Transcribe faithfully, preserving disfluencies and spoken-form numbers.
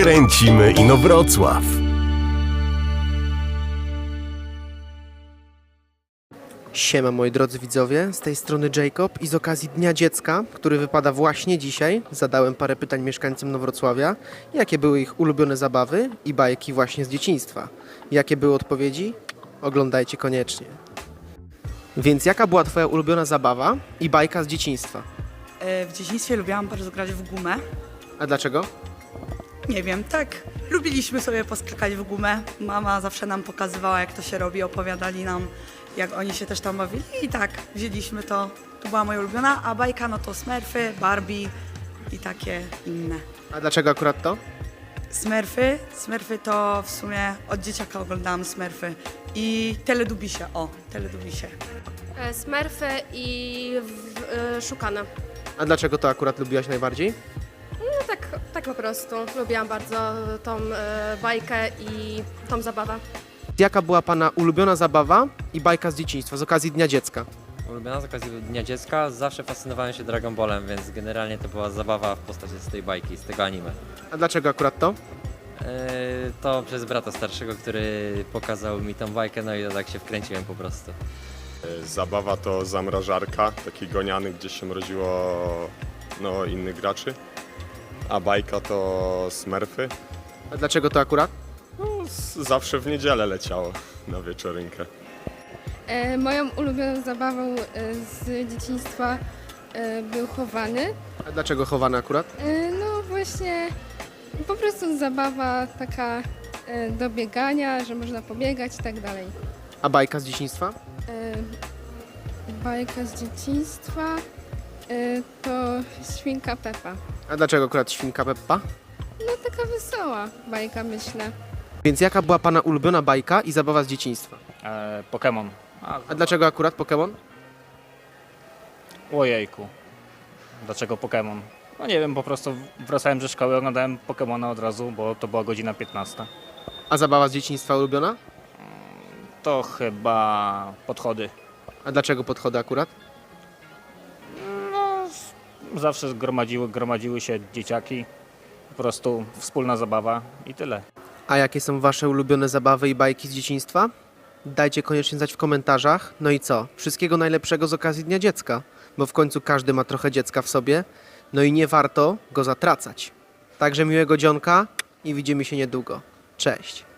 Kręcimy Inowrocław. Siema moi drodzy widzowie, z tej strony Jacob i z okazji Dnia Dziecka, który wypada właśnie dzisiaj, zadałem parę pytań mieszkańcom Inowrocławia, jakie były ich ulubione zabawy i bajki właśnie z dzieciństwa. Jakie były odpowiedzi? Oglądajcie koniecznie. Więc jaka była twoja ulubiona zabawa i bajka z dzieciństwa? W dzieciństwie lubiłam bardzo grać w gumę. A dlaczego? Nie wiem, tak. Lubiliśmy sobie poskakać w gumę. Mama zawsze nam pokazywała, jak to się robi, opowiadali nam, jak oni się też tam bawili i tak, wzięliśmy to. To była moja ulubiona, a bajka no to Smurfy, Barbie i takie inne. A dlaczego akurat to? Smurfy, Smurfy to w sumie od dzieciaka oglądałam Smurfy i Teledubisie, o, Teledubisie. E, Smurfy i w, e, Szukane. A dlaczego to akurat lubiłaś najbardziej? No tak, tak po prostu. Lubiłam bardzo tą e, bajkę i tą zabawę. Jaka była pana ulubiona zabawa i bajka z dzieciństwa z okazji Dnia Dziecka? Ulubiona z okazji Dnia Dziecka, zawsze fascynowałem się Dragon Ballem, więc generalnie to była zabawa w postaci z tej bajki, z tego anime. A dlaczego akurat to? Yy, to przez brata starszego, który pokazał mi tą bajkę, no i tak się wkręciłem po prostu. Zabawa to zamrażarka, taki goniany, gdzie się mroziło no, innych graczy. A bajka to Smurfy. A dlaczego to akurat? No, z- zawsze w niedzielę leciało na wieczorynkę. E, moją ulubioną zabawą e, z dzieciństwa e, był chowany. A dlaczego chowane akurat? E, no właśnie po prostu zabawa taka e, do biegania, że można pobiegać i tak dalej. A bajka z dzieciństwa? E, bajka z dzieciństwa e, to Świnka Pepa. A dlaczego akurat Świnka Peppa? No taka wesoła bajka, myślę. Więc jaka była pana ulubiona bajka i zabawa z dzieciństwa? E, Pokémon. A, A dlaczego akurat Pokémon? Ojejku. Dlaczego Pokémon? No nie wiem, po prostu wracałem ze szkoły, oglądałem Pokémona od razu, bo to była godzina piętnasta. A zabawa z dzieciństwa ulubiona? To chyba podchody. A dlaczego podchody akurat? No, zawsze gromadziły, gromadziły się dzieciaki. Po prostu wspólna zabawa i tyle. A jakie są wasze ulubione zabawy i bajki z dzieciństwa? Dajcie koniecznie znać w komentarzach. No i co? Wszystkiego najlepszego z okazji Dnia Dziecka, bo w końcu każdy ma trochę dziecka w sobie, no i nie warto go zatracać. Także miłego dzionka i widzimy się niedługo. Cześć!